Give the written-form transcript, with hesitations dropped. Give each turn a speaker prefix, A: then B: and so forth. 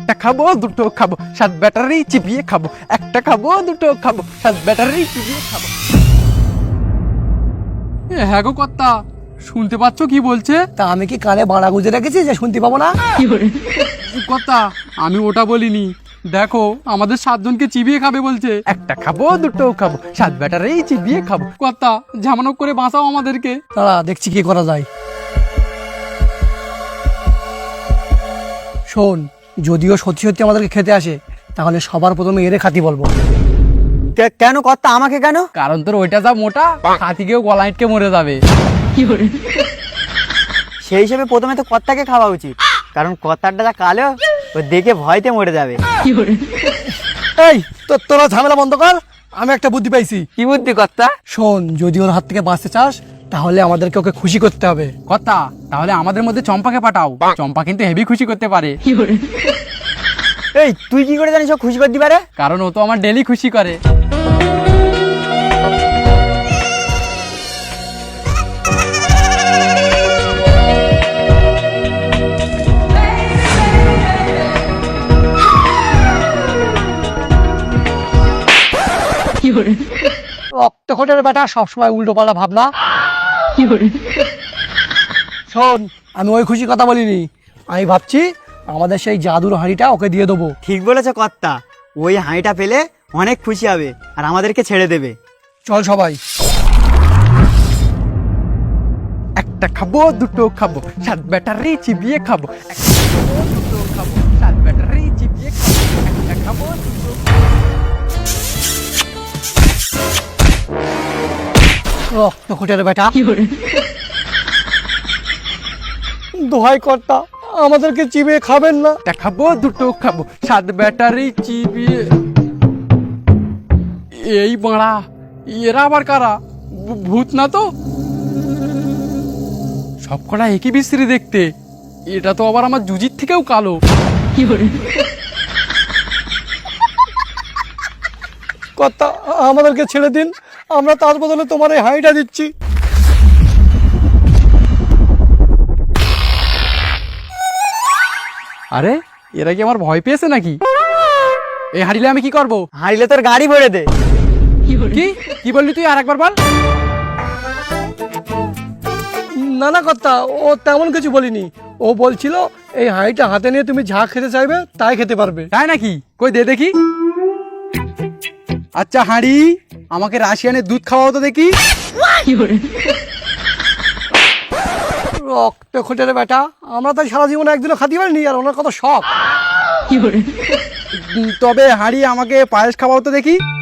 A: একটা খাবো দুটো খাবো, সাত ব্যাটারি চিবিয়ে খাবো। একটা খাবো দুটো খাবো, সাত ব্যাটারি চিবিয়ে খাবো।
B: হ্যাঁ গো কর্তা, শুনতে পাচ্ছ কি বলছে?
C: তা আমি কি কানে বাড়া গুঁজে রেখেছি যে শুনতে পাবো না?
B: কর্তা, আমি ওটা বলিনি। দেখো, আমাদের 7 জনকে চিবিয়ে খাবে বলছে।
A: একটা খাবো দুটো খাবো, সাত ব্যাটারি চিবিয়ে খাবো।
B: কর্তা, ঝামানো করে বাঁচাও আমাদেরকে।
C: দাঁড়া দেখছি কি করা যায়। শোন, যদিও সত্যি সত্যি আমাদেরকে খেতে আসে, তাহলে সবার প্রথমে এরে খাতি বলবো।
D: কেন কর্তা, আমাকে কেন?
B: কারণ তোর ওইটা যা মোটা, হাতিকেও গলা আটকে মরে যাবে।
D: সেই হিসেবে প্রথমে তো কর্তাকে খাওয়া উচিত, কারণ কর্তারটা যা কালো, ও দেখে ভয়তে মরে যাবে।
C: এই তোরা ঝামেলা বন্ধ কর, আমি একটা বুদ্ধি পাইছি।
D: কি বুদ্ধি কর্তা?
C: শোন, যদি ওর হাত থেকে বাঁচতে চাস, তাহলে আমাদেরকে ওকে খুশি করতে হবে।
B: কর্তা, তাহলে আমাদের মধ্যে চম্পাকে পাঠাও। চম্পা কিন্তু হেভি খুশি করতে পারে।
D: এই তুই কি করে জানিস ও খুশি করতে পারে?
B: কারণ ও তো আমার ডেলি খুশি করে।
C: রক্তকোটের বেটা সবসময় উল্টো পাল্টা ভাবনা। শোন, আমি ওই খুশি কথা বলিনি, আমি ভাবছি আমাদের সেই জাদুর হাঁড়িটা ওকে দিয়ে দেবো।
D: ঠিক বলেছে কর্তা, ওই হাঁড়িটা পেলে অনেক খুশি হবে আর আমাদেরকে ছেড়ে দেবে।
C: চল সবাই।
A: একটা খাবো দুটো খাবো, সাত ব্যাটারি চিবিয়ে খাবো। একটা খাবো দুটো খাবো, সাত ব্যাটারি চিবিয়ে খাবো। একটা খাবো দুটো
C: রক্তকোটের বেটা, দোহাই কর্তা, আমাদেরকে চিবিয়ে খাবেন না।
A: একটা খাবো দুটো খাবো, সাত ব্যাটারি চিবিয়ে।
B: এই বাড়া, এরা আবার কারা? ভূত না তো? সবকটা একই বিশ্রী দেখতে। এটা তো আবার আমার জুজির থেকেও কালো।
C: কর্তা, আমাদেরকে ছেড়ে দিন, আমরা তার বদলে তোমার এই হাঁড়িটা দিচ্ছি।
B: আরে, এরা কি আমার ভয় পেয়েছে নাকি? এই হারিলে আমি কি করব?
D: হাঁড়িলে তোর গাড়ি ভরে দে।
B: কি কি বললি তুই? আর একবার বল।
C: না না কর্তা, ও তেমন কিছু বলিনি। ও বলছিল এই হাঁড়িটা হাতে নিয়ে তুমি যা খেতে চাইবে তাই খেতে পারবে।
B: তাই নাকি? কই দে দেখি। আচ্ছা হাঁড়ি, আমাকে রাশিয়ানের দুধ খাওয়াও তো দেখি।
C: রক্তকোটের বেটা, আমরা তাই সারা জীবনে একদিনও খাতে পারিনি, আর ওনার কত শখ।
B: তবে হাঁড়ি, আমাকে পায়েস খাওয়াও তো দেখি।